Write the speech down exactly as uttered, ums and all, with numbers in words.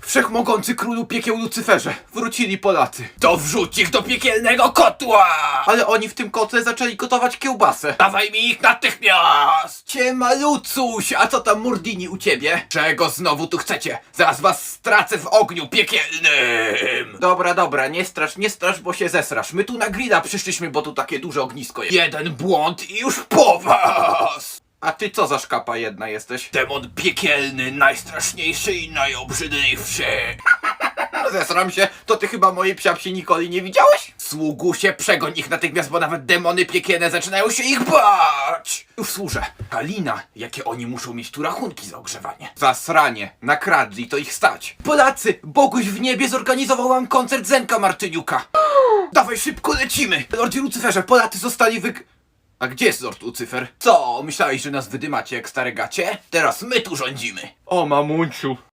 Wszechmogący królu piekieł Lucyferze, wrócili Polacy. To wrzuć ich do piekielnego kotła! Ale oni w tym kotle zaczęli gotować kiełbasę. Dawaj mi ich natychmiast! Ciema Lucuś, a co tam Murdini u ciebie? Czego znowu tu chcecie? Zaraz was stracę w ogniu piekielnym! Dobra, dobra, nie strasz, nie strasz, bo się zesrasz. My tu na grilla przyszliśmy, bo tu takie duże ognisko jest. Jeden błąd i już po was! A ty co za szkapa jedna jesteś? Demon piekielny, najstraszniejszy i najobrzydliwszy. Zesram się, to ty chyba mojej psiapsi Nikoli nie widziałeś? Sługusie, przegoń ich natychmiast, bo nawet demony piekielne zaczynają się ich bać! Już służę. Kalina, jakie oni muszą mieć tu rachunki za ogrzewanie. Zasranie, nakradli, to ich stać. Polacy, Boguś w niebie zorganizował wam koncert Zenka Martyniuka. Dawaj szybko, lecimy! Lordzie Lucyferze, Polacy zostali wyg... A gdzie jest Lord Lucyfer? Co, myślałeś, że nas wydymacie jak stare gacie? Teraz my tu rządzimy. O mamunciu.